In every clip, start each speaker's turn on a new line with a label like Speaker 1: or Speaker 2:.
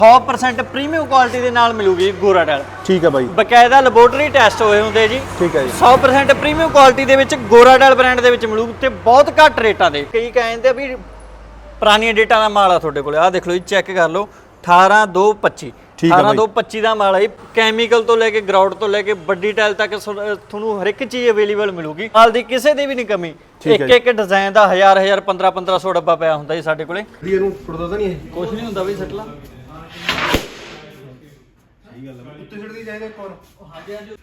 Speaker 1: 100% premium quality ਦੇ ਨਾਲ ਮਿਲੂਗੀ ਗੋਰਾ ਟਾਇਲ।
Speaker 2: ਠੀਕ ਹੈ ਬਾਈ,
Speaker 1: ਬਕਾਇਦਾ ਲੈਬੋਰੇਟਰੀ ਟੈਸਟ ਹੋਏ ਹੁੰਦੇ ਜੀ।
Speaker 2: ਠੀਕ ਹੈ ਜੀ।
Speaker 1: 100% ਪ੍ਰੀਮੀਅਮ ਕੁਆਲਿਟੀ ਦੇ ਵਿੱਚ ਗੋਰਾ ਟਾਇਲ ਬ੍ਰਾਂਡ ਦੇ ਵਿੱਚ ਮਿਲੂਗੀ ਤੇ ਬਹੁਤ ਘੱਟ ਰੇਟਾਂ ਦੇ। ਕਈ ਕਹਿੰਦੇ ਵੀ ਪੁਰਾਣੀਆਂ ਡੇਟਾਂ ਦਾ ਮਾਲ ਆ ਤੁਹਾਡੇ ਕੋਲ, ਆਹ ਦੇਖ ਲਓ ਜੀ, ਚੈੱਕ ਕਰ ਲਓ 18225 18225 ਦਾ ਮਾਲ ਹੈ। ਕੈਮੀਕਲ ਤੋਂ ਲੈ ਕੇ ਗਰਾਊਂਡ ਤੋਂ ਲੈ ਕੇ ਵੱਡੀ ਟਾਇਲ ਤੱਕ ਤੁਹਾਨੂੰ ਹਰ ਇੱਕ ਚੀਜ਼ ਅਵੇਲੇਬਲ ਮਿਲੂਗੀ। ਮਾਲ ਦੀ ਕਿਸੇ ਦੀ ਵੀ ਨਹੀਂ ਕਮੀ। ਇੱਕ ਇੱਕ ਡਿਜ਼ਾਈਨ ਦਾ 1000 1500 ਡੱਬਾ ਪਿਆ ਹੁੰਦਾ ਜੀ ਸਾਡੇ ਕੋਲੇ।
Speaker 2: ਇਹਨੂੰ ਟੁੱਟਦਾ ਤਾਂ ਨਹੀਂ ਇਹ?
Speaker 1: ਕੁਝ ਨਹੀਂ ਹੁੰਦਾ ਬਈ, ਸੱਟ ਲਾ।
Speaker 2: ਸਹੀ ਗੱਲ ਹੈ, ਉੱਤੇ ਛੱਡ ਦੀ ਜਾਏਗਾ ਇੱਕ ਹੋਰ।
Speaker 1: ਹਾਂਜੀ ਹਾਂਜੀ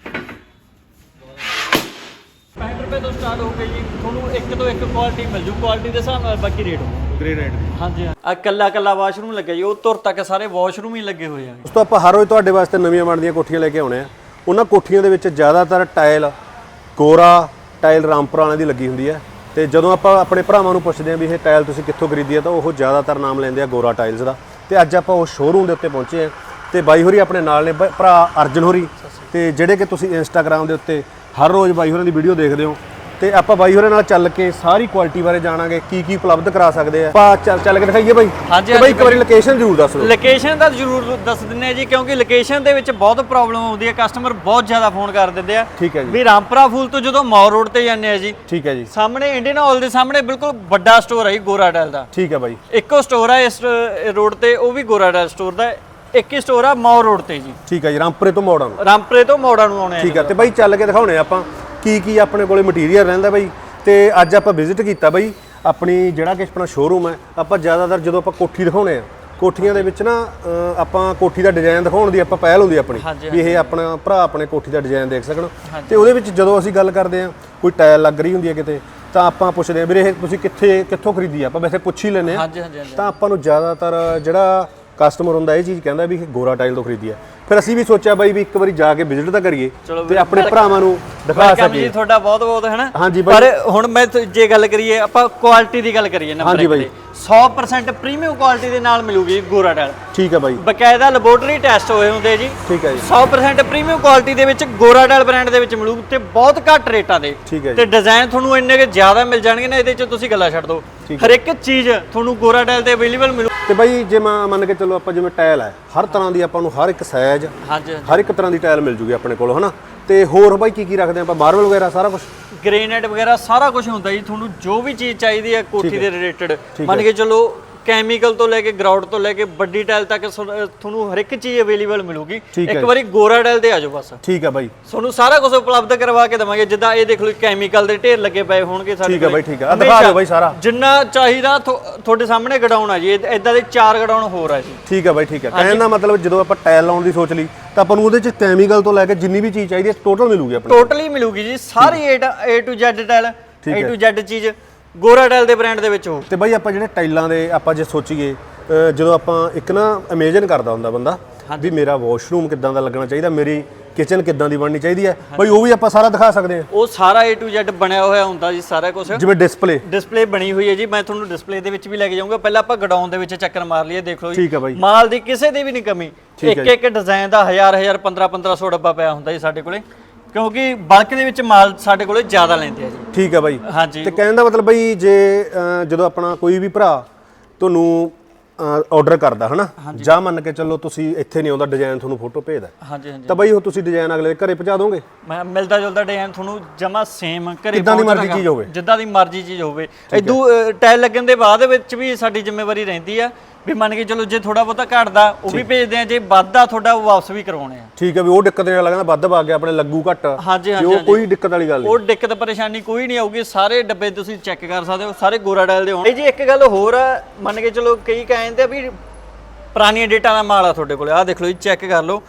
Speaker 1: 65 ਰੁਪਏ ਤੋਂ ਸਟਾਰਟ ਹੋ ਗਈ ਜੀ। ਤੁਹਾਨੂੰ ਇੱਕ ਤੋਂ ਇੱਕ ਕੁਆਲਿਟੀ ਮਿਲ ਜੂ, ਕੁਆਲਿਟੀ ਦੇ ਹਿਸਾਬ ਨਾਲ ਬਾਕੀ ਰੇਟ
Speaker 2: ਗ੍ਰੇ ਰੇਟ ਦੀ।
Speaker 1: ਹਾਂਜੀ ਆ ਕੱਲਾ ਵਾਸ਼ਰੂਮ ਲੱਗਿਆ ਜੀ, ਉਹ ਤੁਰ ਤੱਕ ਸਾਰੇ ਵਾਸ਼ਰੂਮ ਹੀ ਲੱਗੇ ਹੋਏ ਆ।
Speaker 2: ਉਸ ਤੋਂ ਆਪਾਂ ਹਰ ਰੋਜ਼ ਤੁਹਾਡੇ ਵਾਸਤੇ ਨਵੀਆਂ ਬਣਦੀਆਂ ਕੋਠੀਆਂ ਲੈ ਕੇ ਆਉਣੇ ਆ। ਉਹਨਾਂ ਕੋਠੀਆਂ ਦੇ ਵਿੱਚ ਜ਼ਿਆਦਾਤਰ ਟਾਇਲ ਗੋਰਾ ਟਾਇਲ ਰਾਮਪੁਰਾ ਵਾਲਿਆਂ ਦੀ ਲੱਗੀ ਹੁੰਦੀ ਹੈ। ਤੇ ਜਦੋਂ ਆਪਾਂ ਆਪਣੇ ਭਰਾਵਾਂ ਨੂੰ ਪੁੱਛਦੇ ਆ ਵੀ ਇਹ ਟਾਇਲ ਤੁਸੀਂ ਕਿੱਥੋਂ ਖਰੀਦੀ ਆ, ਤਾਂ ਉਹ ਜ਼ਿਆਦਾਤਰ ਨਾਮ ਲੈਂਦੇ ਆ ਗੋਰਾ ਟਾਇਲਸ ਦਾ। ਤੇ ਅੱਜ ਆਪਾਂ ਉਸ ਸ਼ੋਰੂਮ ਦੇ ਉੱਤੇ ਪਹੁੰਚੇ ਆ ਤੇ ਬਾਈ ਹੋਰੀ ਆਪਣੇ ਨਾਲ ਨੇ, ਭਰਾ ਅਰਜਨ ਹੋਰੀ, ਤੇ ਜਿਹੜੇ ਕਿ ਤੁਸੀਂ ਇੰਸਟਾਗ੍ਰਾਮ ਦੇ ਉੱਤੇ ਹਰ ਰੋਜ਼ ਬਾਈ ਹੋਰਾਂ ਦੀ ਵੀਡੀਓ ਦੇਖਦੇ ਹੋ। ਤੇ ਆਪਾਂ ਬਾਈ ਹੋਰਾਂ ਨਾਲ ਚੱਲ ਕੇ ਸਾਰੀ ਕੁਆਲਿਟੀ ਬਾਰੇ ਜਾਣਾਂਗੇ, ਕੀ ਉਪਲਬਧ ਕਰਾ ਸਕਦੇ ਆ। ਆਪਾਂ ਚੱਲ ਕੇ ਦਿਖਾਈਏ ਬਾਈ।
Speaker 1: ਹਾਂਜੀ
Speaker 2: ਬਾਈ ਇੱਕ ਵਾਰੀ ਲੋਕੇਸ਼ਨ ਜ਼ਰੂਰ ਦੱਸ ਦਿਓ।
Speaker 1: ਲੋਕੇਸ਼ਨ ਦਾ ਜ਼ਰੂਰ ਦੱਸ ਦਿੰਦੇ ਆ ਜੀ, ਕਿਉਂਕਿ ਲੋਕੇਸ਼ਨ ਦੇ ਵਿੱਚ ਬਹੁਤ ਪ੍ਰੋਬਲਮ ਆਉਂਦੀ ਹੈ। ਕਸਟਮਰ ਬਹੁਤ ਜ਼ਿਆਦਾ ਫੋਨ ਕਰ ਦਿੰਦੇ ਆ।
Speaker 2: ਠੀਕ ਹੈ ਜੀ।
Speaker 1: ਵੀ ਰਾਮਪੁਰਾ ਫੂਲ ਤੋਂ ਜਦੋਂ ਮੌਰ ਰੋਡ ਤੇ ਜਾਂਦੇ ਆ ਜੀ,
Speaker 2: ਠੀਕ ਹੈ ਜੀ,
Speaker 1: ਸਾਹਮਣੇ ਇੰਡੀਅਨ ਹਾਲ ਦੇ ਸਾਹਮਣੇ ਬਿਲਕੁਲ ਵੱਡਾ ਸਟੋਰ ਹੈ ਜੀ ਗੋਰਾ ਟਾਇਲ ਦਾ।
Speaker 2: ਠੀਕ ਹੈ ਬਾਈ।
Speaker 1: ਇੱਕੋ ਸਟੋਰ ਹੈ ਇਸ ਰੋਡ ਤੇ, ਉਹ ਵੀ ਗੋਰਾ ਟਾਇਲ ਸਟੋਰ ਦਾ। ਇੱਕ ਹੀ ਸਟੋਰ ਆ ਮੌਰ ਰੋਡ ਤੇ ਜੀ।
Speaker 2: ਠੀਕ ਹੈ ਜੀ, ਰਾਮਪੁਰੇ ਤੋਂ ਮੋੜਾਂ ਨੂੰ।
Speaker 1: ਰਾਮਪੁਰੇ ਤੋਂ ਮੋੜਾਂ ਨੂੰ ਆਉਣੇ ਆ।
Speaker 2: ਠੀਕ ਹੈ। ਤੇ ਬਾਈ ਚੱਲ ਕੇ ਦਿਖਾਉਣੇ ਆਪਾਂ ਕੀ ਆਪਣੇ ਕੋਲੇ ਮਟੀਰੀਅਲ ਰਹਿੰਦਾ ਬਾਈ। ਤੇ ਅੱਜ ਆਪਾਂ ਵਿਜ਼ਿਟ ਕੀਤਾ ਬਾਈ ਆਪਣੀ ਜਿਹੜਾ ਕਿ ਆਪਣਾ ਸ਼ੋਰੂਮ ਹੈ। ਆਪਾਂ ਜ਼ਿਆਦਾਤਰ ਜਦੋਂ ਆਪਾਂ ਕੋਠੀ ਦਿਖਾਉਣੇ ਆ, ਕੋਠੀਆਂ ਦੇ ਵਿੱਚ ਨਾ ਆਪਾਂ ਕੋਠੀ ਦਾ ਡਿਜ਼ਾਈਨ ਦਿਖਾਉਣ ਦੀ ਆਪਾਂ ਪਹਿਲ ਹੁੰਦੀ ਆਪਣੀ ਵੀ ਇਹ ਆਪਣਾ ਭਰਾ ਆਪਣੇ ਕੋਠੀ ਦਾ ਡਿਜ਼ਾਈਨ ਦੇਖ ਸਕਣ। ਤੇ ਉਹਦੇ ਵਿੱਚ ਜਦੋਂ ਅਸੀਂ ਗੱਲ ਕਰਦੇ ਆ, ਕੋਈ ਟਾਇਲ ਲੱਗ ਰਹੀ ਹੁੰਦੀ ਹੈ ਕਿਤੇ, ਤਾਂ ਆਪਾਂ ਪੁੱਛਦੇ ਆ ਵੀਰੇ ਇਹ ਤੁਸੀਂ ਕਿੱਥੋਂ ਖਰੀਦੀ ਆ। ਆਪਾਂ ਵੈਸੇ ਪੁੱਛ ਹੀ ਲੈਂਦੇ ਆ। ਤਾਂ ਆਪਾਂ ਨੂੰ ਜ਼ਿਆਦਾਤਰ ਜਿਹੜਾ ਕਸਟਮਰ ਹੁੰਦਾ ਇਹ ਚੀਜ਼ ਕਹਿੰਦਾ ਵੀ ਇਹ ਗੋਰਾ ਟਾਇਲ ਤੋਂ ਖਰੀਦੀ ਆ। ਫਿਰ ਅਸੀਂ ਵੀ ਸੋਚਿਆ ਬਾਈ ਵੀ ਇੱਕ ਵਾਰੀ ਜਾ ਕੇ ਵਿਜ਼ਿਟ ਤਾਂ ਕਰੀਏ ਤੇ ਆਪਣੇ ਭਰਾਵਾਂ ਨੂੰ ਦਿਖਾ ਸਕੀਏ।
Speaker 1: ਜੀ ਤੁਹਾਡਾ ਬਹੁਤ ਬਹੁਤ ਹੈ ਨਾ।
Speaker 2: ਹਾਂਜੀ ਬਾਈ।
Speaker 1: ਪਰ ਹੁਣ ਮੈਂ ਜੇ ਗੱਲ ਕਰੀਏ, ਆਪਾਂ ਕੁਆਲਿਟੀ ਦੀ ਗੱਲ ਕਰੀਏ ਨੰਬਰ 1 ਤੇ 100% ਪ੍ਰੀਮੀਅਮ ਕੁਆਲਿਟੀ ਦੇ ਨਾਲ ਮਿਲੂਗੀ ਗੋਰਾ ਟਾਇਲ।
Speaker 2: ਠੀਕ ਹੈ ਬਾਈ।
Speaker 1: ਬਕਾਇਦਾ ਲੈਬੋਰੇਟਰੀ ਟੈਸਟ ਹੋਏ ਹੁੰਦੇ ਜੀ।
Speaker 2: ਠੀਕ ਹੈ ਜੀ।
Speaker 1: 100% ਪ੍ਰੀਮੀਅਮ ਕੁਆਲਿਟੀ ਦੇ ਵਿੱਚ ਗੋਰਾ ਟਾਇਲ ਬ੍ਰਾਂਡ ਦੇ ਵਿੱਚ ਮਿਲੂਗੀ ਤੇ ਬਹੁਤ ਘੱਟ ਰੇਟਾਂ ਦੇ।
Speaker 2: ਠੀਕ ਹੈ ਜੀ।
Speaker 1: ਤੇ ਡਿਜ਼ਾਈਨ ਤੁਹਾਨੂੰ ਇੰਨੇ ਕਿ ਜ਼ਿਆਦਾ ਮਿਲ ਜਾਣਗੇ ਨਾ, ਇਹਦੇ 'ਚ ਤੁਸੀਂ ਗੱਲਾਂ ਛੱਡ ਦਿਓ। ਹਰ ਇੱਕ ਚੀਜ਼ ਤੁਹਾਨੂੰ ਗੋਰਾ ਟਾਇਲ ਤੇ ਅਵੇਲੇਬਲ ਮਿਲੂ।
Speaker 2: ਤੇ ਬਾਈ ਜੇ ਮੰਨ ਕੇ ਚੱਲੋ ਆਪਾਂ ਜਿਵੇਂ ਟਾਇਲ ਹੈ, ਹਰ ਤਰ੍ਹਾਂ ਦੀ ਆਪਾਂ ਨੂੰ ਹਰ ਇੱਕ ਸਾਈਜ਼, ਹਰ ਇੱਕ ਤਰ੍ਹਾਂ ਦੀ ਟਾਇਲ ਮਿਲ ਜੂਗੀ ਆਪਣੇ ਕੋਲ, ਹਨਾ। ਤੇ ਹੋਰ ਬਾਈ ਕੀ ਰੱਖਦੇ ਆਪਾਂ? ਮਾਰਬਲ ਵਗੈਰਾ ਸਾਰਾ ਕੁਝ,
Speaker 1: ਗ੍ਰੇਨਾਈਟ ਵਗੈਰਾ ਸਾਰਾ ਕੁਝ ਹੁੰਦਾ ਜੀ। ਤੁਹਾਨੂੰ ਜੋ ਵੀ ਚੀਜ਼ ਚਾਹੀਦੀ ਹੈ ਕੋਠੀ ਦੇ ਰਿਲੇਟਡ, ਮੰਨ ਕੇ ਚੱਲੋ ਕੈਮੀਕਲ ਤੋਂ ਲੈ ਕੇ ਗਰਾਊਂਡ ਤੋਂ ਲੈ ਕੇ ਵੱਡੀ ਟਾਇਲ ਤੱਕ ਤੁਹਾਨੂੰ ਹਰ ਇੱਕ ਚੀਜ਼ ਅਵੇਲੇਬਲ ਮਿਲੂਗੀ। ਇੱਕ ਵਾਰੀ ਗੋਰਾ ਟਾਇਲ ਤੇ ਆ ਜਾਓ ਬਸ।
Speaker 2: ਠੀਕ ਹੈ ਬਾਈ।
Speaker 1: ਤੁਹਾਨੂੰ ਸਾਰਾ ਕੁਝ ਉਪਲਬਧ ਕਰਵਾ ਕੇ ਦਵਾਂਗੇ। ਜਿੱਦਾਂ ਇਹ ਦੇਖ ਲਓ ਕੈਮੀਕਲ ਦੇ ਢੇਰ ਲੱਗੇ ਪਏ ਹੋਣਗੇ ਸਾਡੇ।
Speaker 2: ਠੀਕ ਹੈ ਬਾਈ। ਠੀਕ ਹੈ, ਦਿਖਾ ਦਿਓ ਬਾਈ ਸਾਰਾ
Speaker 1: ਜਿੰਨਾ ਚਾਹੀਦਾ। ਤੁਹਾਡੇ ਸਾਹਮਣੇ ਗਡਾਉਣ ਆ ਜੀ, ਇਦਾਂ ਦੇ 4 ਗਡਾਉਣ ਹੋਰ ਆ ਜੀ।
Speaker 2: ਠੀਕ ਹੈ ਬਾਈ। ਠੀਕ ਹੈ। ਕਹਿਣ ਦਾ ਮਤਲਬ ਜਦੋਂ ਆਪਾਂ ਟਾਇਲ ਲਾਉਣ ਦੀ ਸੋਚ ਲਈ ਤਾਂ ਆਪਾਂ ਨੂੰ ਉਹਦੇ ਚ ਕੈਮੀਕਲ ਤੋਂ ਲੈ ਕੇ ਜਿੰਨੀ ਵੀ ਚੀਜ਼ ਚਾਹੀਦੀ ਹੈ ਟੋਟਲ ਮਿਲੂਗੀ ਆਪਣੀ।
Speaker 1: ਟੋਟਲੀ ਮਿਲੂਗੀ ਜੀ, ਸਾਰੀ A to Z tile, A to Z ਚੀਜ਼ ਗੋਰਾ ਟਾਇਲ ਦੇ ਬ੍ਰਾਂਡ ਦੇ ਵਿੱਚ ਹੋ।
Speaker 2: ਤੇ ਬਾਈ ਆਪਾਂ ਜਿਹੜੇ ਟਾਈਲਾਂ ਦੇ ਆਪਾਂ ਜੇ ਸੋਚੀਏ, ਜਦੋਂ ਆਪਾਂ ਇੱਕ ਨਾ ਇਮੇਜਿਨ ਕਰਦਾ ਹੁੰਦਾ ਬੰਦਾ ਵੀ ਮੇਰਾ ਵਾਸ਼ਰੂਮ ਕਿੱਦਾਂ ਦਾ ਲੱਗਣਾ ਚਾਹੀਦਾ, ਮੇਰੀ ਕਿਚਨ ਕਿੱਦਾਂ ਦੀ ਬਣਨੀ ਚਾਹੀਦੀ ਹੈ, ਬਾਈ ਉਹ ਵੀ ਆਪਾਂ ਸਾਰਾ ਦਿਖਾ ਸਕਦੇ ਹਾਂ।
Speaker 1: ਉਹ ਸਾਰਾ A to Z ਬਣਿਆ ਹੋਇਆ ਹੁੰਦਾ ਜੀ, ਸਾਰਾ ਕੁਝ। ਜਿਵੇਂ ਡਿਸਪਲੇ ਬਣੀ ਹੋਈ ਹੈ ਜੀ, ਮੈਂ ਤੁਹਾਨੂੰ ਡਿਸਪਲੇ ਦੇ ਵਿੱਚ ਵੀ ਲੈ ਕੇ ਜਾਊਂਗਾ। ਪਹਿਲਾਂ ਆਪਾਂ ਗਡਾਊਨ ਦੇ ਵਿੱਚ ਚੱਕਰ ਮਾਰ ਲਈਏ, ਦੇਖ ਲਓ ਜੀ।
Speaker 2: ਠੀਕ ਹੈ ਬਾਈ।
Speaker 1: ਮਾਲ ਦੀ ਕਿਸੇ ਦੀ ਵੀ ਨਹੀਂ ਕਮੀ। ਇੱਕ ਇੱਕ ਡਿਜ਼ਾਈਨ ਦਾ 1000 1500 ਡੱਬਾ ਪਿਆ ਹੁੰਦਾ ਜੀ ਸਾਡੇ ਕੋਲੇ, ਕਿਉਂਕਿ ਬਲਕ ਦੇ ਵਿੱਚ ਮਾਲ ਸਾਡੇ ਕੋਲੇ ਜ਼ਿਆਦਾ ਲੈਂਦੇ ਆ ਜੀ।
Speaker 2: ਠੀਕ ਹੈ ਬਾਈ।
Speaker 1: ਹਾਂਜੀ।
Speaker 2: ਤੇ ਕਹਿਣ ਦਾ ਮਤਲਬ ਬਾਈ ਜੇ ਜਦੋਂ ਆਪਣਾ ਕੋਈ ਵੀ ਭਰਾ ਤੁਹਾਨੂੰ ਆਰਡਰ ਕਰਦਾ ਹਨਾ, ਜਾਂ ਮੰਨ ਕੇ ਚੱਲੋ ਤੁਸੀਂ ਇੱਥੇ ਨਹੀਂ ਆਉਂਦਾ, ਡਿਜ਼ਾਈਨ ਤੁਹਾਨੂੰ ਫੋਟੋ ਭੇਜਦਾ, ਤਾਂ ਬਾਈ ਉਹ ਤੁਸੀਂ ਡਿਜ਼ਾਈਨ ਅਗਲੇ ਦੇ ਘਰੇ ਪਹੁੰਚਾ ਦੋਗੇ?
Speaker 1: ਮੈਂ ਮਿਲਦਾ ਜੁਲਦਾ ਡਿਜ਼ਾਈਨ ਤੁਹਾਨੂੰ ਜਮਾ ਸੇਮ ਘਰੇ,
Speaker 2: ਜਿੱਦਾਂ ਦੀ ਮਰਜ਼ੀ ਚੀਜ਼ ਹੋਵੇ,
Speaker 1: ਜਿੱਦਾਂ ਦੀ ਮਰਜ਼ੀ ਚੀਜ਼ ਹੋਵੇ। ਇਦੋਂ ਟਾਇਲ ਲੱਗਣ ਦੇ ਬਾਅਦ ਵਿੱਚ ਵੀ ਸਾਡੀ ਜ਼ਿੰਮੇਵਾਰੀ ਰਹਿੰਦੀ ਆ ਵੀ ਮੰਨ ਕੇ ਚਲੋ ਜੇ ਥੋੜਾ ਬਹੁਤਾ ਘਟਦਾ ਉਹ ਵੀ ਭੇਜਦੇ ਆ, ਜੇ ਵੱਧਦਾ ਤੁਹਾਡਾ ਉਹ ਵਾਪਸ ਵੀ ਕਰਵਾਉਣੇ ਆ।
Speaker 2: ਠੀਕ ਹੈ ਵੀ ਉਹ ਦਿੱਕਤ ਨਹੀਂ ਲੱਗਦਾ, ਵੱਧ ਵਗ ਗਿਆ ਆਪਣੇ ਲੱਗੂ ਘੱਟ।
Speaker 1: ਹਾਂਜੀ
Speaker 2: ਉਹ ਕੋਈ ਦਿੱਕਤ ਵਾਲੀ ਗੱਲ ਨਹੀਂ,
Speaker 1: ਉਹ ਦਿੱਕਤ ਪਰੇਸ਼ਾਨੀ ਕੋਈ ਨਹੀਂ ਆਊਗੀ। ਸਾਰੇ ਡੱਬੇ ਤੁਸੀਂ ਚੈੱਕ ਕਰ ਸਕਦੇ ਹੋ, ਸਾਰੇ ਗੋਰਾ ਟਾਇਲ ਦੇ ਹੋਣਗੇ ਜੀ। ਇੱਕ ਗੱਲ ਹੋਰ ਆ, ਮੰਨ ਕੇ ਚਲੋ ਕਈ ਕਹਿੰਦੇ ਆ ਵੀ ਪੁਰਾਣੀਆਂ ਡੇਟਾਂ ਦਾ ਮਾਲ ਆ ਤੁਹਾਡੇ ਕੋਲ, ਆਹ ਦੇਖ ਲਓ ਜੀ, ਚੈੱਕ ਕਰ ਲਓ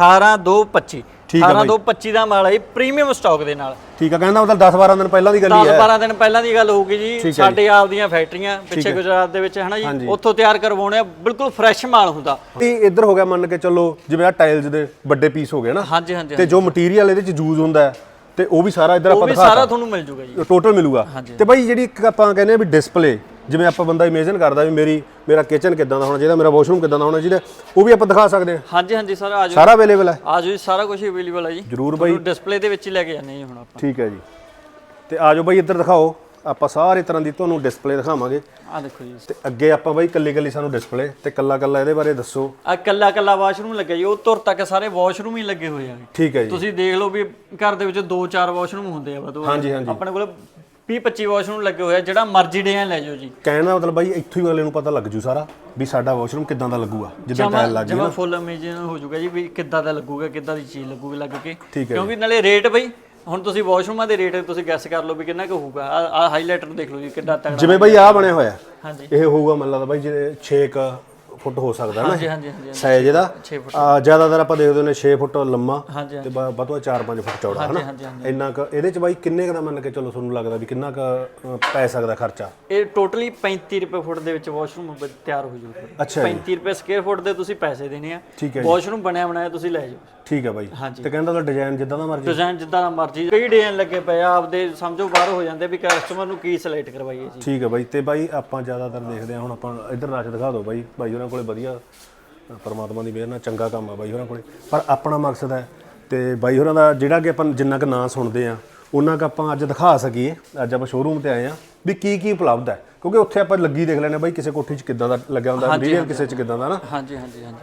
Speaker 1: 18225 18225 ਦਾ ਮਾਲ ਹੈ ਪ੍ਰੀਮੀਅਮ ਸਟਾਕ ਦੇ ਨਾਲ।
Speaker 2: ਠੀਕ ਹੈ। ਕਹਿੰਦਾ ਮਤਲਬ 10-12 ਦਿਨ ਪਹਿਲਾਂ ਦੀ ਗੱਲ ਹੀ ਹੈ।
Speaker 1: 10-12 ਦਿਨ ਪਹਿਲਾਂ ਦੀ ਗੱਲ ਹੋਊਗੀ ਜੀ। ਸਾਡੇ ਆਪ ਦੀਆਂ ਫੈਕਟਰੀਆਂ ਪਿੱਛੇ ਗੁਜਰਾਤ ਦੇ ਵਿੱਚ ਹਨਾ ਜੀ, ਉੱਥੋਂ ਤਿਆਰ ਕਰਵਾਉਣੇ ਆ, ਬਿਲਕੁਲ ਫਰੈਸ਼ ਮਾਲ ਹੁੰਦਾ।
Speaker 2: ਤੇ ਇੱਧਰ ਹੋ ਗਿਆ ਮੰਨ ਕੇ ਚੱਲੋ ਜਿਵੇਂ ਆ ਟਾਇਲਸ ਦੇ ਵੱਡੇ ਪੀਸ ਹੋ ਗਏ ਨਾ।
Speaker 1: ਹਾਂਜੀ ਹਾਂਜੀ।
Speaker 2: ਤੇ ਜੋ ਮਟੀਰੀਅਲ ਇਹਦੇ ਚ ਯੂਜ਼ ਹੁੰਦਾ ਤੇ ਉਹ ਵੀ ਸਾਰਾ ਇੱਧਰ ਆਪਾਂ ਦਿਖਾਤਾ,
Speaker 1: ਸਾਰਾ ਤੁਹਾਨੂੰ ਮਿਲ ਜੂਗਾ ਜੀ,
Speaker 2: ਟੋਟਲ ਮਿਲੂਗਾ। ਤੇ ਬਾਈ ਜਿਹੜੀ ਇੱਕ ਆਪਾਂ ਕਹਿੰਦੇ ਆ ਵੀ ਡਿਸਪਲੇ, ਜਿਵੇਂ ਆਪਾਂ ਬੰਦਾ ਇਮੇਜਿਨ ਕਰਦਾ ਵੀ ਮੇਰਾ ਕਿਚਨ ਕਿੱਦਾਂ ਦਾ ਹੋਣਾ ਚਾਹੀਦਾ, ਮੇਰਾ ਵਾਸ਼ਰੂਮ ਕਿੱਦਾਂ ਦਾ ਹੋਣਾ ਚਾਹੀਦਾ, ਉਹ ਵੀ ਆਪਾਂ ਦਿਖਾ ਸਕਦੇ ਹਾਂ।
Speaker 1: ਹਾਂਜੀ ਹਾਂਜੀ ਸਰ, ਆ ਜਾਓ,
Speaker 2: ਸਾਰਾ ਅਵੇਲੇਬਲ ਹੈ।
Speaker 1: ਆ ਜਾਓ ਜੀ, ਸਾਰਾ ਕੁਝ ਅਵੇਲੇਬਲ ਹੈ ਜੀ।
Speaker 2: ਜਰੂਰ ਬਾਈ,
Speaker 1: ਡਿਸਪਲੇ ਦੇ ਵਿੱਚ ਹੀ ਲੈ ਕੇ ਜਾਂਦੇ ਜੀ ਹੁਣ ਆਪਾਂ।
Speaker 2: ਠੀਕ ਹੈ ਜੀ। ਤੇ ਆ ਜਾਓ ਬਾਈ ਇੱਧਰ ਦਿਖਾਓ ਆਪਾਂ ਸਾਰੇ ਤਰ੍ਹਾਂ ਦੀ ਤੁਹਾਨੂੰ ਡਿਸਪਲੇ ਦਿਖਾਵਾਂਗੇ।
Speaker 1: ਆ ਦੇਖੋ ਜੀ,
Speaker 2: ਤੇ ਅੱਗੇ ਆਪਾਂ ਬਾਈ ਕੱਲੀ ਸਾਨੂੰ ਡਿਸਪਲੇ ਤੇ ਕੱਲਾ ਇਹਦੇ ਬਾਰੇ ਦੱਸੋ।
Speaker 1: ਆ ਕੱਲਾ ਵਾਸ਼ਰੂਮ ਲੱਗਿਆ ਜੀ, ਉਹ ਤੁਰ ਤੱਕ ਸਾਰੇ ਵਾਸ਼ਰੂਮ ਹੀ ਲੱਗੇ ਹੋਏ ਆ।
Speaker 2: ਠੀਕ ਹੈ ਜੀ,
Speaker 1: ਤੁਸੀਂ ਦੇਖ ਲਓ ਵੀ ਘਰ ਦੇ ਵਿੱਚ 2-4 ਵਾਸ਼ਰੂਮ ਹੁੰਦੇ ਆ ਵਧੂ।
Speaker 2: ਹਾਂਜੀ
Speaker 1: ਆਪਣੇ ਕੋਲ 20-25 ਵਾਸ਼ਰੂਮ ਲੱਗੇ ਹੋਏ ਆ, ਜਿਹੜਾ ਮਰਜ਼ੀ ਡਿਜ਼ਾਈਨ ਲੈ ਜਾਓ ਜੀ।
Speaker 2: ਕਹਿਣ ਦਾ ਮਤਲਬ ਬਾਈ ਇੱਥੋਂ ਹੀ ਅਗਲੇ ਨੂੰ ਪਤਾ ਲੱਗ ਜੂ ਸਾਰਾ ਵੀ ਸਾਡਾ ਵਾਸ਼ਰੂਮ ਕਿੱਦਾਂ ਦਾ ਲੱਗੂਗਾ ਜਿੱਦਾਂ ਟਾਇਲ ਲੱਗ ਗਈ
Speaker 1: ਜਿਵੇਂ ਫੁੱਲ ਇਮੇਜਿਨ ਹੋ ਜਾਊਗਾ ਜੀ ਵੀ ਕਿੱਦਾਂ ਦਾ ਲੱਗੂਗਾ, ਕਿੱਦਾਂ ਦੀ ਚੀਜ਼ ਲੱਗੂਗੀ ਲੱਗ ਕੇ।
Speaker 2: ਠੀਕ ਹੈ,
Speaker 1: ਕਿਉਂਕਿ ਨਾਲੇ ਰੇਟ ਬਈ ਹੁਣ ਤੁਸੀਂ ਵਾਸ਼ਰੂਮਾਂ ਦੇ ਰੇਟ ਤੁਸੀਂ ਗੈਸ ਕਰ ਲਓ ਵੀ ਕਿੰਨਾ ਕੁ ਹੋਊਗਾ। ਆ ਹਾਈਲਾਈਟਰ ਦੇਖ ਲਓ ਜੀ ਕਿੱਡਾ ਤਗੜਾ।
Speaker 2: ਜਿਵੇਂ ਬਾਈ ਆ ਬਣਿਆ ਹੋਇਆ
Speaker 1: ਹਾਂਜੀ,
Speaker 2: ਇਹ ਹੋਊਗਾ ਮੈਨੂੰ ਲੱਗਦਾ ਬਾਈ ਜੇ 6 ਫੁੱਟ ਹੋ ਸਕਦਾ ਨਾ
Speaker 1: ਹਾਂਜੀ
Speaker 2: ਸਾਈਜ਼ ਇਹਦਾ।
Speaker 1: 6 ਫੁੱਟ
Speaker 2: ਜ਼ਿਆਦਾਤਰ ਆਪਾਂ ਦੇਖਦੇ ਨੇ 6 ਫੁੱਟ ਲੰਮਾ
Speaker 1: ਹਾਂਜੀ
Speaker 2: ਤੇ ਵੱਧ 4-5 ਫੁੱਟ ਚੌੜਾ ਹਨਾ। ਇੰਨਾ ਕ ਇਹਦੇ ਚ ਬਾਈ ਕਿੰਨੇ ਕ ਦਾ ਮੰਨ ਕੇ ਚਲੋ ਤੁਹਾਨੂੰ ਲੱਗਦਾ ਵੀ ਕਿੰਨਾ ਕ ਪੈ ਸਕਦਾ ਖਰਚਾ?
Speaker 1: ਇਹ ਟੋਟਲੀ 35 ਰੁਪਏ ਫੁੱਟ ਦੇ ਵਿੱਚ ਵਾਸ਼ਰੂਮ ਤਿਆਰ ਹੋ ਜਾਊਗਾ।
Speaker 2: ਅੱਛਾ ਜੀ,
Speaker 1: 35 ਰੁਪਏ ਸਕੁਅਰ ਫੁੱਟ ਦੇ ਤੁਸੀਂ ਪੈਸੇ ਦੇਣੇ ਆ।
Speaker 2: ਠੀਕ ਹੈ,
Speaker 1: ਵਾਸ਼ਰੂਮ ਬਣਿਆ ਬਣਾਇਆ ਤੁਸੀਂ ਲੈ ਜਾਓ।
Speaker 2: ਠੀਕ ਹੈ ਬਾਈ। ਤੇ ਕਹਿੰਦਾ ਉਹਦਾ ਡਿਜ਼ਾਈਨ ਜਿੱਦਾਂ ਦਾ ਮਰਜ਼ੀ,
Speaker 1: ਡਿਜ਼ਾਈਨ ਜਿੱਦਾਂ ਦਾ ਮਰਜ਼ੀ, ਕਈ ਡਿਜ਼ਾਈਨ ਲੱਗੇ ਪਏ ਆ, ਆਪਦੇ ਸਮਝੋ ਬਾਹਰ ਹੋ ਜਾਂਦੇ ਵੀ ਕਸਟਮਰ ਨੂੰ ਕੀ ਸਿਲੈਕਟ ਕਰਵਾਈਏ ਜੀ। ਠੀਕ
Speaker 2: ਹੈ ਬਾਈ। ਤੇ ਬਾਈ ਆਪਾਂ ਜ਼ਿਆਦਾਤਰ ਦੇਖਦੇ ਆ, ਹੁਣ ਆਪਾਂ ਇੱਧਰ ਰਸ਼ ਦਿਖਾ ਦਿਓ ਬਾਈ ਉਹਨਾਂ ਕੋਲੇ ਵਧੀਆ ਪਰਮਾਤਮਾ ਦੀ ਮਿਹਰ ਨਾਲ ਚੰਗਾ ਕੰਮ ਆ ਬਾਈ ਹੋਰਾਂ ਕੋਲੇ। ਪਰ ਆਪਣਾ ਮਕਸਦ ਹੈ ਤੇ ਬਾਈ ਹੋਰਾਂ ਦਾ ਜਿਹੜਾ ਕਿ ਆਪਾਂ ਜਿੰਨਾ ਕੁ ਨਾਂ ਸੁਣਦੇ ਆ ਉਹਨਾਂ ਕੁ ਆਪਾਂ ਅੱਜ ਦਿਖਾ ਸਕੀਏ। ਅੱਜ ਆਪਾਂ ਸ਼ੋਰੂਮ ਤੇ ਆਏ ਆ ਵੀ ਕੀ ਉਪਲਬਧ ਹੈ, ਕਿਉਂਕਿ ਉੱਥੇ ਆਪਾਂ ਲੱਗੀ ਦੇਖ ਲੈਣੇ ਬਾਈ ਕਿਸੇ ਕੋਠੀ 'ਚ ਕਿੱਦਾਂ ਦਾ ਲੱਗਿਆ ਹੁੰਦਾ, ਮਟੀਰੀਅਲ ਕਿਸੇ 'ਚ ਕਿੱਦਾਂ ਦਾ ਨਾ।
Speaker 1: ਹਾਂਜੀ।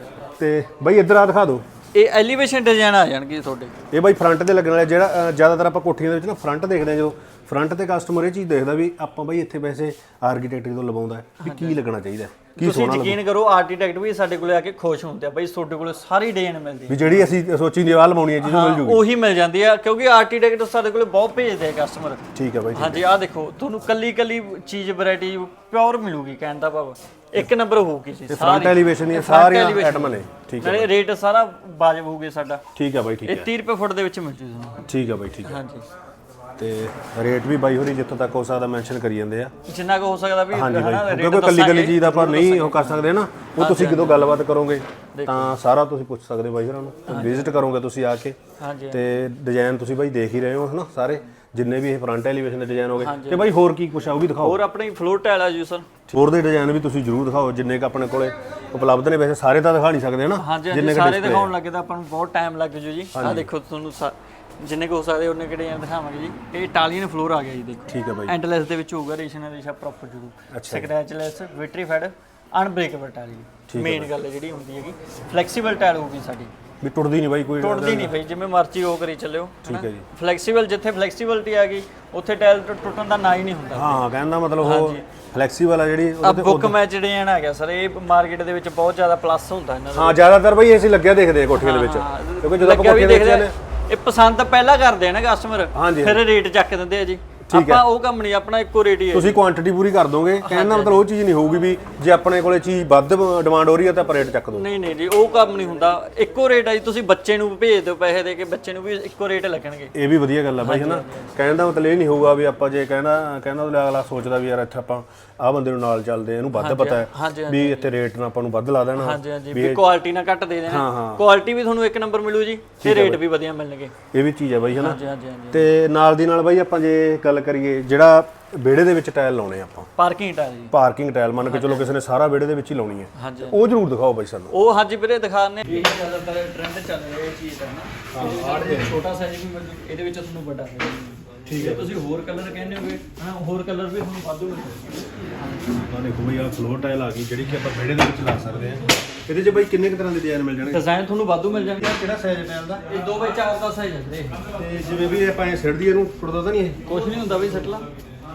Speaker 2: ਤੇ ਬਾਈ ਇੱਧਰ ਆ ਦਿਖਾ ਦਿਓ।
Speaker 1: ਇਹ ਐਲੀਵੇਸ਼ਨ ਡਿਜ਼ਾਈਨ ਆ ਜਾਣਗੇ ਤੁਹਾਡੇ।
Speaker 2: ਇਹ ਬਾਈ ਫਰੰਟ ਤੇ ਲੱਗਣ ਵਾਲਾ, ਜਿਹੜਾ ਜ਼ਿਆਦਾਤਰ ਆਪਾਂ ਕੋਠੀਆਂ ਦੇ ਵਿੱਚ ਨਾ ਫਰੰਟ ਦੇਖਦੇ ਆ, ਜਦੋਂ ਫਰੰਟ ਤੇ ਕਸਟਮਰ ਇਹ ਚੀਜ਼ ਦੇਖਦਾ ਵੀ ਆਪਾਂ ਬਾਈ ਇੱਥੇ ਵੈਸੇ ਆਰਕੀਟੈਕਟ ਜਦੋਂ ਲਵਾਉਂਦਾ ਵੀ ਕੀ ਲੱਗਣਾ ਚਾਹੀਦਾ, ਕੀ
Speaker 1: ਤੁਸੀਂ ਯਕੀਨ ਕਰੋ ਆਰਕੀਟੈਕਟ ਵੀ ਸਾਡੇ ਕੋਲੇ ਆ ਕੇ ਖੁਸ਼ ਹੁੰਦੇ ਆ ਬਾਈ, ਤੁਹਾਡੇ ਕੋਲੇ ਸਾਰੀ ਡਿਜ਼ਾਈਨ ਮਿਲਦੀ
Speaker 2: ਵੀ ਜਿਹੜੀ ਅਸੀਂ ਸੋਚੀ ਦੀਵਾਰ ਲਵਾਉਣੀ ਹੈ ਜਿਹਨੂੰ ਮਿਲ ਜੂਗੀ
Speaker 1: ਉਹੀ ਮਿਲ ਜਾਂਦੀ ਆ, ਕਿਉਂਕਿ ਆਰਕੀਟੈਕਟ ਸਾਡੇ ਕੋਲੇ ਬਹੁਤ ਭੇਜਦੇ ਆ ਕਸਟਮਰ।
Speaker 2: ਠੀਕ ਹੈ ਬਾਈ।
Speaker 1: ਹਾਂਜੀ ਆਹ ਦੇਖੋ ਤੁਹਾਨੂੰ ਕੱਲੀ ਚੀਜ਼ ਵੈਰਾਈਟੀ ਪਿਓਰ ਮਿਲੂਗੀ, ਕਹਿਣ ਦਾ ਭਾਵ ਇੱਕ ਨੰਬਰ ਹੋਊਗੀ ਜੀ।
Speaker 2: ਫਰੰਟ ਐਲੀਵੇਸ਼ਨ ਹੀ ਸਾਰੀਆਂ ਆਈਟਮਾਂ ਨੇ। ਠੀਕ ਹੈ,
Speaker 1: ਨਾਲੇ ਰੇਟ ਸਾਰਾ ਵਾਜਬ ਹੋਊਗਾ ਸਾਡਾ।
Speaker 2: ਠੀਕ ਹੈ ਬਾਈ। ਠੀਕ ਹੈ,
Speaker 1: ਇਹ 30 ਰੁਪਏ ਫੁੱਟ ਦੇ ਵਿੱਚ ਮਿਲ ਜੂ ਤੁਹਾਨੂੰ।
Speaker 2: ਠੀਕ ਹੈ ਬਾਈ। ਠੀਕ ਹੈ,
Speaker 1: ਹਾਂਜੀ।
Speaker 2: ਤੇ ਰੇਟ ਵੀ ਬਾਈ ਹੋਰੀ ਜਿੱਥੋਂ ਤੱਕ ਹੋ ਸਕਦਾ ਮੈਂਸ਼ਨ ਕਰੀ ਜਾਂਦੇ ਆ,
Speaker 1: ਜਿੰਨਾ ਕੁ ਹੋ ਸਕਦਾ ਵੀ
Speaker 2: ਹਾਂਜੀ ਬਾਈ, ਕਿਉਂਕਿ ਕੱਲੀ ਚੀਜ਼ ਦਾ ਆਪਾਂ ਨਹੀਂ ਉਹ ਕਰ ਸਕਦੇ ਨਾ। ਉਹ ਤੁਸੀਂ ਜਦੋਂ ਗੱਲਬਾਤ ਕਰੋਗੇ ਤਾਂ ਸਾਰਾ ਤੁਸੀਂ ਪੁੱਛ ਸਕਦੇ ਬਾਈ ਹੋਰਾਂ ਨੂੰ, ਵਿਜ਼ਿਟ ਕਰੋਗੇ ਤੁਸੀਂ ਆ ਕੇ। ਤੇ ਡਿਜ਼ਾਈਨ ਤੁਸੀਂ ਬਾਈ ਦੇਖ ਹੀ ਰਹੇ ਹੋ ਹਨਾ, ਸਾਰੇ ਜਿੰਨੇ ਵੀ ਇਹ ਫਰੰਟ ਐਲੀਵੇਸ਼ਨ ਦੇ ਡਿਜ਼ਾਈਨ ਹੋਗੇ। ਤੇ ਬਾਈ ਹੋਰ ਕੀ ਕੁਛ ਆ ਉਹ ਵੀ ਦਿਖਾਓ।
Speaker 1: ਹੋਰ ਆਪਣੀ ਫਲੋਰ ਟਾਇਲ ਆ ਜੀ ਸਰ,
Speaker 2: ਹੋਰ ਦੇ ਡਿਜ਼ਾਈਨ ਵੀ ਤੁਸੀਂ ਜ਼ਰੂਰ ਦਿਖਾਓ ਜਿੰਨੇ ਕ ਆਪਣੇ ਕੋਲੇ ਉਪਲਬਧ ਨੇ। ਵੈਸੇ ਸਾਰੇ ਤਾਂ ਦਿਖਾ ਨਹੀਂ ਸਕਦੇ ਹਨਾ,
Speaker 1: ਜਿੰਨੇ ਸਾਰੇ ਦਿਖਾਉਣ ਲੱਗੇ ਤਾਂ ਆਪਾਂ ਨੂੰ ਬਹੁਤ ਟਾਈਮ ਲੱਗ ਜੂ ਜੀ। ਆਹ ਦੇਖੋ ਤੁਹਾਨੂੰ ਜਿੰਨੇ ਕੁ ਹੋ ਸਕਦੇ ਉਹਨੇ ਕਿਹੜੇ ਡਿਜ਼ਾਈਨ ਦਿਖਾਵਾਂਗੇ ਜੀ। ਇਹ ਇਟਾਲੀਅਨ ਫਲੋਰ ਆ ਗਿਆ ਜੀ, ਦੇਖੋ। ਠੀਕ ਹੈ ਬਾਈ। ਐਂਡਲੈਸ ਦੇ ਵਿੱਚ ਹੋਊਗਾ, ਰੇਸ਼ਾ ਪ੍ਰੋਪਰ ਜੂ, scratchless, vitrified, unbreakable tile. Main ਗੱਲ ਜਿਹੜੀ ਹੁੰਦੀ ਹੈਗੀ ਫਲੈਕਸੀਬਲ ਟਾਇਲ ਹੋਊਗੀ ਸਾਡੀ,
Speaker 2: ਵੀ ਟੁੱਟਦੀ ਨਹੀਂ ਬਾਈ, ਕੋਈ
Speaker 1: ਟੁੱਟਦੀ ਨਹੀਂ ਬਾਈ, ਜਿਵੇਂ ਮਰਜ਼ੀ ਉਹ ਕਰੀ ਚੱਲਿਓ।
Speaker 2: ਠੀਕ ਹੈ ਜੀ।
Speaker 1: ਫਲੈਕਸੀਬਲ, ਜਿੱਥੇ ਫਲੈਕਸੀਬਿਲਟੀ ਆ ਗਈ ਉੱਥੇ ਟਾਇਲ ਟੁੱਟਣ ਦਾ ਨਾ ਹੀ ਨਹੀਂ ਹੁੰਦਾ।
Speaker 2: ਹਾਂ, ਕਹਿੰਦਾ ਮਤਲਬ ਉਹ ਫਲੈਕਸੀਬਲ ਆ ਜਿਹੜੀ
Speaker 1: ਬੁੱਕ ਮੈਚ ਡਿਜ਼ਾਈਨ ਆ ਗਿਆ ਸਰ, ਇਹ ਮਾਰਕੀਟ ਦੇ ਵਿੱਚ ਬਹੁਤ ਜ਼ਿਆਦਾ ਪਲੱਸ ਹੁੰਦਾ ਇਹਨਾਂ ਦਾ।
Speaker 2: ਹਾਂ, ਜ਼ਿਆਦਾਤਰ ਬਾਈ ਅਸੀਂ ਲੱਗਿਆ ਦੇਖਦੇ ਆ ਕੋਠੀਆਂ ਦੇ ਵਿੱਚ, ਕਿਉਂਕਿ ਜਦੋਂ ਆਪਾਂ ਕੋਠੀਆਂ ਦੇਖਦੇ ਆ
Speaker 1: ਇਹ ਪਸੰਦ ਪਹਿਲਾਂ ਕਰਦੇ ਆ ਨਾ ਕਸਟਮਰ, ਫਿਰ ਰੇਟ ਚੱਕ ਦਿੰਦੇ ਆ ਜੀ। ਆਪਾਂ ਉਹ ਕੰਮ ਨਹੀਂ, ਆਪਣਾ ਇੱਕੋ ਰੇਟ ਹੀ ਹੈ।
Speaker 2: ਤੁਸੀਂ ਕੁਆਂਟੀਟੀ ਪੂਰੀ ਕਰ ਦੋਗੇ, ਕਹਿੰਦਾ ਮਤਲਬ ਉਹ ਚੀਜ਼ ਨਹੀਂ ਹੋਊਗੀ ਵੀ ਜੇ ਆਪਣੇ ਕੋਲੇ ਚੀਜ਼ ਵੱਧ ਡਿਮਾਂਡ ਹੋ ਰਹੀ ਹੈ ਤਾਂ ਆਪਾਂ ਰੇਟ ਚੱਕ ਦੋ।
Speaker 1: ਨਹੀਂ ਜੀ, ਉਹ ਕੰਮ ਨਹੀਂ ਹੁੰਦਾ, ਇੱਕੋ ਰੇਟ ਆ ਜੀ। ਤੁਸੀਂ ਬੱਚੇ ਨੂੰ ਭੇਜ ਦਿਓ ਪੈਸੇ ਦੇ ਕੇ, ਬੱਚੇ ਨੂੰ ਵੀ ਇੱਕੋ ਰੇਟ ਲੱਗਣਗੇ।
Speaker 2: ਇਹ ਵੀ ਵਧੀਆ ਗੱਲ ਆ ਬਾਈ ਹਨਾ, ਕਹਿਣ ਦਾ ਮਤਲਬ ਇਹ ਨਹੀਂ ਹੋਊਗਾ ਵੀ ਆਪਾਂ ਜੇ ਕਹਿੰਦਾ ਅਗਲਾ ਸੋਚਦਾ ਵੀ ਯਾਰ ਇੱਥੇ ਆਪਾਂ ਆਹ ਬੰਦੇ ਨੂੰ ਨਾਲ ਚੱਲਦੇ, ਇਹਨੂੰ ਵੱਧ ਪਤਾ ਹੈ ਵੀ ਇੱਥੇ ਰੇਟ ਨਾਲ ਆਪਾਂ ਨੂੰ ਵੱਧ ਲਾ ਦੇਣਾ।
Speaker 1: ਹਾਂਜੀ, ਵੀ ਕੁਆਲਿਟੀ ਨਾਲ ਘੱਟ ਦੇ ਦੇਣਾ, ਕੁਆਲਿਟੀ ਵੀ ਤੁਹਾਨੂੰ ਇੱਕ ਨੰਬਰ ਮਿਲੂ ਜੀ, ਤੇ ਰੇਟ ਵੀ ਵਧੀਆ ਮਿਲਣਗੇ।
Speaker 2: ਇਹ ਵੀ ਚੀਜ਼ ਹੈ ਬਾਈ ਹਨਾ। ਤੇ ਨਾਲ ਦੀ ਨਾਲ ਬਾਈ ਆਪਾਂ ਜੇ ਗੱਲ ਕਰੀਏ ਜਿਹੜਾ ਵਿਹੜੇ ਦੇ ਵਿੱਚ ਟਾਇਲ ਲਾਉਣੇ ਆਪਾਂ,
Speaker 1: ਪਾਰਕਿੰਗ ਟਾਇਲ ਜੀ,
Speaker 2: ਪਾਰਕਿੰਗ ਟਾਇਲ ਮੰਨ ਕੇ ਚਲੋ ਕਿਸੇ ਨੇ ਸਾਰਾ ਵਿਹੜੇ ਦੇ ਵਿੱਚ ਹੀ ਲਾਉਣੀ ਹੈ, ਉਹ ਜ਼ਰੂਰ ਦਿਖਾਓ ਬਾਈ ਸਾਨੂੰ।
Speaker 1: ਉਹ ਹਾਂਜੀ ਵੀਰੇ ਦਿਖਾਣੇ, ਇਹ ਜ਼ਿਆਦਾਤਰ ਟ੍ਰੈਂਡ ਚੱਲ ਰਿਹਾ ਇਹ ਚੀਜ਼ ਦਾ ਨਾ। ਆਹ ਛੋਟਾ ਸਾਈਜ਼ ਵੀ ਮਿਲ ਜੂ, ਇਹਦੇ ਵਿੱਚ ਤੁਹਾਨੂੰ ਵੱਡਾ ਸਾਈਜ਼ ਵੀ। ਠੀਕ ਹੈ, ਤੁਸੀਂ ਹੋਰ ਕਲਰ ਕਹਿੰਦੇ ਹੋਗੇ ਹਨਾ, ਹੋਰ ਕਲਰ ਵੀ ਤੁਹਾਨੂੰ ਵਾਧੂ ਮਿਲਣਗੇ। ਆਹ ਦੇਖੋ ਬਈ, ਆਹ ਫਲੋਰ ਟਾਇਲ ਆ ਗਈ ਜਿਹੜੀ ਕਿ ਆਪਾਂ ਵਿਹੜੇ ਦੇ ਵਿੱਚ ਲਾ ਸਕਦੇ ਹਾਂ। ਇਹਦੇ 'ਚ ਬਾਈ ਕਿੰਨੇ ਕੁ ਤਰ੍ਹਾਂ ਦੇ ਡਿਜ਼ਾਈਨ ਮਿਲ ਜਾਣਗੇ? ਡਿਜ਼ਾਈਨ ਤੁਹਾਨੂੰ ਵਾਧੂ ਮਿਲ ਜਾਣਗੇ।
Speaker 2: ਕਿਹੜਾ ਸਾਈਜ਼ ਟਾਇਲ ਦਾ?
Speaker 1: ਇਹ 2x4 ਦਾ ਸਾਈਜ਼ ਹੈ ਵੀਰੇ।
Speaker 2: ਤੇ ਜਿਵੇਂ ਵੀ ਆਪਾਂ ਇਹ ਸਿੱਟ ਦੀ ਇਹਨੂੰ ਟੁੱਟਦਾ ਤਾਂ ਨਹੀਂ? ਇਹ
Speaker 1: ਕੁਝ ਨਹੀਂ ਹੁੰਦਾ ਬਈ, ਸਿੱਟ ਲਾ।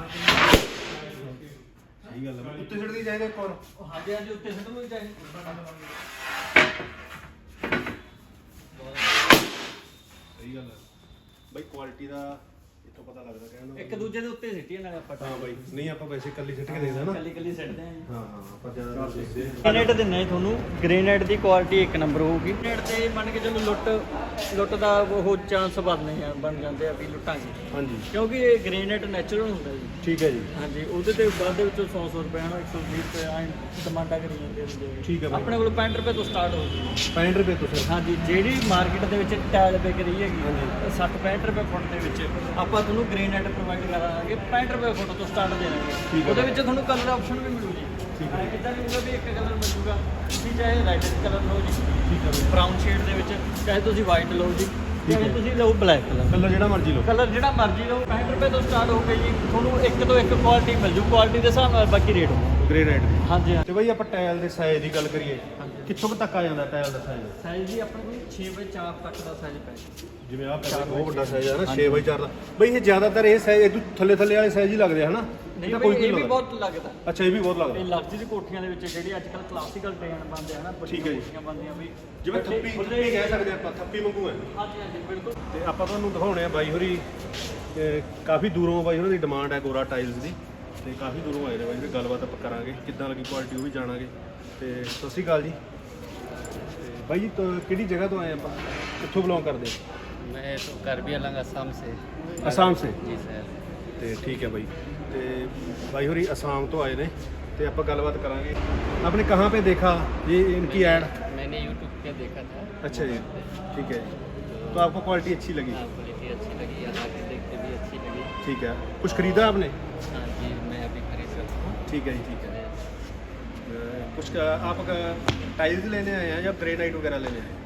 Speaker 2: ਸਹੀ ਗੱਲ ਹੈ, ਉੱਤੇ ਸਿੱਟ ਦੀ ਚਾਹੀਦਾ ਇੱਕ ਹੋਰ।
Speaker 1: ਹਾਂਜੀ, ਉੱਤੇ ਸਿੱਟ ਨੂੰ ਚਾਹੀਦਾ।
Speaker 2: ਸਹੀ ਗੱਲ ਹੈ ਬਾਈ, ਕੁਆਲਿਟੀ ਦਾ ਇੱਥੋਂ ਪਤਾ ਲੱਗਦਾ। ਕਹਿੰਦਾ
Speaker 1: ਇੱਕ ਦੂਜੇ ਦੇ ਉੱਤੇ ਸਿੱਟੀਏ ਨਾਲੇ ਆਪਾਂ।
Speaker 2: ਹਾਂ ਬਾਈ, ਨਹੀਂ ਆਪਾਂ ਵੈਸੇ ਕੱਲੀ ਸਿੱਟ ਕੇ ਦੇਖਦਾ ਨਾ,
Speaker 1: ਕੱਲੀ ਸਿੱਟਦੇ ਆਂ।
Speaker 2: ਹਾਂ ਆਪਾਂ ਜ਼ਿਆਦਾ ਦੇਖਦੇ ਹਾਂ।
Speaker 1: ਗ੍ਰੇਨਾਈਟ ਦਿੰਨੇ ਤੁਹਾਨੂੰ, ਗ੍ਰੇਨਾਈਟ ਦੀ ਕੁਆਲਿਟੀ ਇੱਕ ਨੰਬਰ ਹੋਊਗੀ। ਗ੍ਰੇਨਾਈਟ ਤੇ ਮੰਨ ਕੇ ਚਲੋ ਲੁੱਟ ਦਾ ਉਹ ਚਾਂਸ ਬਣ ਜਾਂਦੇ ਆ ਵੀ ਲੁੱਟਾਂਗੇ। ਹਾਂਜੀ, ਕਿਉਂਕਿ ਇਹ ਗ੍ਰੇਨਾਈਟ ਨੈਚੁਰਲ ਹੁੰਦਾ ਜੀ। ਠੀਕ ਹੈ ਜੀ। ਹਾਂਜੀ, ਉਹਦੇ ਤੇ ਬਾਅਦ ਦੇ ਵਿੱਚੋਂ 100 ਰੁਪਏ ਨਾਲ 120 ਰੁਪਏ ਐਂ ਡਿਮਾਂਡਾਂ ਕਰੀ ਜਾਂਦੇ ਹੁੰਦੇ। ਠੀਕ ਹੈ, ਆਪਣੇ ਕੋਲ 65 ਰੁਪਏ ਤੋਂ ਸਟਾਰਟ ਹੋਊਗੀ। 65 ਰੁਪਏ ਤੋਂ ਸਰ? ਹਾਂਜੀ, ਜਿਹੜੀ ਮਾਰਕੀਟ ਦੇ ਵਿੱਚ ਟਾਇਲ ਵਿਕ ਰਹੀ ਹੈਗੀ 60-65 ਰੁਪਏ ਫੁੱਟ ਦੇ ਵਿੱਚ ਆਪਾਂ ਤੁਹਾਨੂੰ ਗ੍ਰੇਨਾਈਟ ਪ੍ਰੋਵਾਈਡ ਕਰਾਂਗੇ। 65 ਰੁਪਏ ਫੁੱਟ ਤੋਂ ਸਟਾਰਟ ਦੇ ਦਾਂਗੇ। ਉਹਦੇ ਵਿੱਚ ਤੁਹਾਨੂੰ ਕਲਰ ਆਪਸ਼ਨ ਵੀ ਮਿਲੂ ਜੀ। ਠੀਕ ਹੈ, ਕਿੱਦਾਂ ਵੀ ਹੋਊਗਾ ਵੀ ਇੱਕ ਕਲਰ ਮਿਲੂਗਾ, ਤੁਸੀਂ ਚਾਹੇ ਰੈੱਡ ਕਲਰ ਲਓ ਜੀ, ਠੀਕ ਹੈ, ਬਰਾਊਨ ਸ਼ੇਡ ਦੇ ਵਿੱਚ, ਚਾਹੇ ਤੁਸੀਂ ਵਾਈਟ ਲਓ ਜੀ, ਚਾਹੇ ਤੁਸੀਂ ਲਓ ਬਲੈਕ ਕਲਰ,
Speaker 2: ਕਲਰ ਜਿਹੜਾ ਮਰਜ਼ੀ ਲਓ।
Speaker 1: ਕਲਰ ਜਿਹੜਾ ਮਰਜ਼ੀ ਲਓ 65 ਰੁਪਏ ਤੋਂ ਸਟਾਰਟ ਹੋ ਕੇ ਜੀ ਤੁਹਾਨੂੰ ਇੱਕ ਤੋਂ ਇੱਕ ਕੁਆਲਿਟੀ ਮਿਲ ਜੂ, ਕੁਆਲਿਟੀ ਦੇ ਹਿਸਾਬ ਨਾਲ ਬਾਕੀ ਰੇਟ ਹੋਊ।
Speaker 2: ਗ੍ਰੇ ਰੇਟ ਦੀ।
Speaker 1: ਹਾਂਜੀ ਹਾਂ।
Speaker 2: ਤੇ ਬਾਈ ਆਪਾਂ ਟਾਇਲ ਦੇ ਸਾਈਜ਼ ਦੀ ਗੱਲ ਕਰੀਏ, ਕਿੱਥੋਂ ਕੁ ਤੱਕ ਆ ਜਾਂਦਾ ਟਾਇਲ ਦਾ ਸਾਈਜ਼?
Speaker 1: ਸਾਈਜ਼ ਜੀ ਆਪਣੇ ਕੋਲ 6x4 ਤੱਕ ਦਾ ਸਾਈਜ਼ ਪੈ ਜਾਂਦਾ।
Speaker 2: ਜਿਵੇਂ ਆਹ ਪੈਸੇ ਬਹੁਤ ਵੱਡਾ ਸਾਈਜ਼ ਹੈ ਨਾ 6x4 ਦਾ। ਬਈ ਇਹ ਜ਼ਿਆਦਾਤਰ ਇਹ ਸਾਈਜ਼ ਇਹ ਥੱਲੇ ਵਾਲੇ ਸਾਈਜ਼ ਹੀ ਲੱਗਦੇ ਹਨਾ?
Speaker 1: ਨਹੀਂ
Speaker 2: ਤਾਂ
Speaker 1: ਬਈ
Speaker 2: ਕੋਈ
Speaker 1: ਇਹ ਵੀ
Speaker 2: ਲੱਗਦਾ?
Speaker 1: ਬਹੁਤ ਲੱਗਦਾ।
Speaker 2: ਅੱਛਾ ਇਹ ਵੀ ਬਹੁਤ ਲੱਗਦਾ।
Speaker 1: ਇਹ ਲਗਜ਼ਰੀ ਕੋਠੀਆਂ ਦੇ ਵਿੱਚ ਜਿਹੜੀ ਅੱਜ ਕੱਲ੍ਹ ਕਲਾਸੀਕਲ ਡਿਜ਼ਾਈਨ ਬਣਦੇ ਆ ਨਾ,
Speaker 2: ਠੀਕ ਹੈ ਜੀ।
Speaker 1: ਕੋਠੀਆਂ ਬਣਦੀਆਂ ਵੀ
Speaker 2: ਜਿਵੇਂ ਥੱਪੀ ਕਹਿ ਸਕਦੇ ਆਪਾਂ, ਥੱਪੀ ਵਾਂਗੂ ਹੈ।
Speaker 1: ਹਾਂਜੀ ਹਾਂਜੀ ਬਿਲਕੁਲ।
Speaker 2: ਤੇ ਆਪਾਂ ਤੁਹਾਨੂੰ ਦਿਖਾਉਣੇ ਆ ਬਾਈ ਹੋਰੀ ਕਾਫੀ ਦੂਰੋਂ ਬਾਈ ਹੋਰਾਂ ਦੀ ਡਿਮਾਂਡ ਹੈ ਗੋਰਾ ਟਾਈਲਸ ਦੀ, ਤੇ ਕਾਫੀ ਦੂਰੋਂ ਆਏ ਨੇ ਬਾਈ, ਗੱਲਬਾਤ ਆਪਾਂ ਕਰਾਂਗੇ ਕਿੱਦਾਂ ਲੱਗੀ ਕੁਆਲਿਟੀ ਉਹ ਵੀ ਜਾਣਾਂਗੇ। ਤੇ ਸਤਿ ਸ਼੍ਰੀ ਅਕਾਲ ਜੀ। ਤੇ ਬਾਈ ਜੀ ਕਿਹੜੀ ਜਗ੍ਹਾ ਤੋਂ ਆਏ ਆਪਾਂ, ਕਿੱਥੋਂ ਬਿਲੋਂਗ ਕਰਦੇ?
Speaker 3: मैं तो कार्बी आलंग असम से।
Speaker 2: ਅਸਾਮ ਸੇ।
Speaker 3: जी सर।
Speaker 2: ਤੇ ਠੀਕ ਹੈ ਬਾਈ। ਤੇ ਬਾਈ ਹੋਰੀ ਅਸਾਮ ਤੋਂ ਆਏ ਨੇ ਤੇ ਆਪਾਂ ਗੱਲਬਾਤ ਕਰਾਂਗੇ। आपने कहाँ पे देखा ये इनकी ऐड?
Speaker 3: मैंने यूट्यूब पे देखा था।
Speaker 2: अच्छा जी, ठीक है जी। तो आपको क्वालिटी अच्छी लगी?
Speaker 3: हाँ, क्वालिटी अच्छी लगी, यहाँ के देख के भी अच्छी लगी।
Speaker 2: ठीक है। कुछ खरीदा आपने?
Speaker 3: हाँ जी, मैं अभी खरीद सकता हूँ।
Speaker 2: ठीक है जी, ठीक है। कुछ आप टाइल्स लेने आए हैं या ग्रेनाइट वगैरह लेने आए हैं?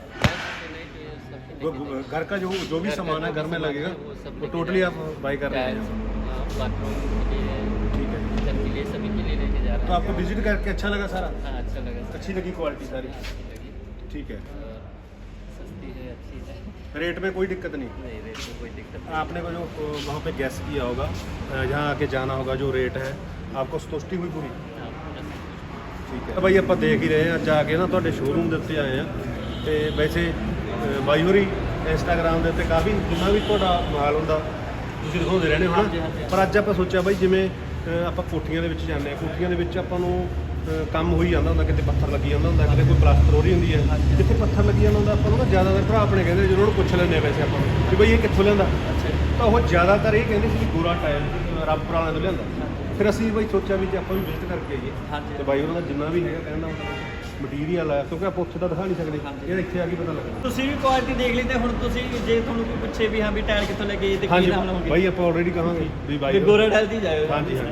Speaker 2: घर का जो भी सामान है घर में लगेगा वो टोटली आप बाई कर रहे हैं?
Speaker 3: बाथरूम के लिए,
Speaker 2: ठीक है।
Speaker 3: किचन के लिए, सभी के लिए लेके जा रहे
Speaker 2: तो आपको विजिट करके अच्छा लगा सारा?
Speaker 3: हैं। हाँ, अच्छा लगा सर।
Speaker 2: अच्छी लगी क्वालिटी सारी?
Speaker 3: अच्छी लगी
Speaker 2: ठीक है।
Speaker 3: और सस्ती है, अच्छी है।
Speaker 2: रेट में कोई दिक्कत नहीं?
Speaker 3: नहीं, रेट में कोई दिक्कत नहीं।
Speaker 2: आपने को जो वहाँ पे गैस किया होगा, जहाँ आके जाना होगा, जो रेट है आपको संतुष्टि हुई पूरी?
Speaker 3: हाँ, पूरा सब
Speaker 2: ਠੀਕ ਹੈ ਬਾਈ, ਆਪਾਂ ਦੇਖ ਹੀ ਰਹੇ ਹਾਂ ਅੱਜ ਆ ਕੇ ਨਾ ਤੁਹਾਡੇ ਸ਼ੋਰੂਮ ਦੇ ਉੱਤੇ ਆਏ ਆ। ਤੇ ਵੈਸੇ ਬਾਈ ਹੋਰੀ ਇੰਸਟਾਗ੍ਰਾਮ ਦੇ ਉੱਤੇ ਕਾਫੀ ਜਿੰਨਾ ਵੀ ਤੁਹਾਡਾ ਮਾਲ ਹੁੰਦਾ ਤੁਸੀਂ ਦਿਖਾਉਂਦੇ ਰਹਿੰਦੇ ਹੋ ਨਾ, ਪਰ ਅੱਜ ਆਪਾਂ ਸੋਚਿਆ ਬਾਈ ਜਿਵੇਂ ਆਪਾਂ ਕੋਠੀਆਂ ਦੇ ਵਿੱਚ ਜਾਂਦੇ ਆ, ਕੋਠੀਆਂ ਦੇ ਵਿੱਚ ਆਪਾਂ ਨੂੰ ਕੰਮ ਹੋਈ ਜਾਂਦਾ ਹੁੰਦਾ, ਕਿਤੇ ਪੱਥਰ ਲੱਗੀ ਜਾਂਦਾ ਹੁੰਦਾ, ਕਿਤੇ ਕੋਈ ਪਲਾਸਟਰ ਹੋ ਰਹੀ ਹੁੰਦੀ ਹੈ, ਜਿੱਥੇ ਪੱਥਰ ਲੱਗੀ ਜਾਂਦਾ ਹੁੰਦਾ ਆਪਾਂ ਨੂੰ ਨਾ ਜ਼ਿਆਦਾਤਰ ਭਰਾ ਆਪਣੇ ਕਹਿੰਦੇ ਜਦੋਂ ਉਹਨੂੰ ਪੁੱਛ ਲੈਂਦੇ ਆ ਵੈਸੇ ਆਪਾਂ ਨੂੰ ਕਿ ਬਈ ਇਹ ਕਿੱਥੋਂ ਲਿਆਂਦਾ, ਤਾਂ ਉਹ ਜ਼ਿਆਦਾਤਰ ਇਹ ਕਹਿੰਦੇ ਸੀ ਗੋਰਾ ਟਾਇਲ ਰੱਬਪੁਰ ਵਾਲਿਆਂ ਤੋਂ ਲਿਆਂਦਾ। ਫਿਰ ਅਸੀਂ ਬਾਈ ਸੋਚਿਆ ਵੀ ਜੇ ਆਪਾਂ ਵੀ ਵਿਜ਼ਿਟ ਕਰਕੇ ਆਈਏ ਤੇ ਬਾਈ ਉਹਨਾਂ ਦਾ ਜਿੰਨਾ ਵੀ ਹੈਗਾ ਕਹਿੰਦਾ ਮਟੀਰੀਅਲ ਹੈ, ਕਿਉਂਕਿ ਆਪਾਂ ਉੱਥੇ ਤਾਂ ਦਿਖਾ ਨਹੀਂ ਸਕਦੇ, ਇਹ ਇੱਥੇ ਆ ਕੇ ਪਤਾ ਲੱਗਦਾ।
Speaker 1: ਤੁਸੀਂ ਵੀ ਕੁਆਲਿਟੀ ਦੇਖ ਲਈ ਤੇ ਹੁਣ ਤੁਸੀਂ ਜੇ ਤੁਹਾਨੂੰ ਕੋਈ ਪੁੱਛੇ ਵੀ ਹਾਂ ਵੀ ਟਾਇਲ ਕਿੱਥੋਂ ਲੈ ਕੇ ਆਏ ਤੇ ਕੀ
Speaker 2: ਹਾਂਜੀ
Speaker 1: ਨਾਮ ਲਾਉਂਗੇ?
Speaker 2: ਬਾਈ ਆਪਾਂ ਆਲਰੇਡੀ ਕਹਾਂਗੇ ਵੀ ਬਾਈ
Speaker 1: ਗੋਰਾ ਟਾਇਲ ਦੀ ਜਾਇਓ।
Speaker 2: ਹਾਂਜੀ ਹਾਂਜੀ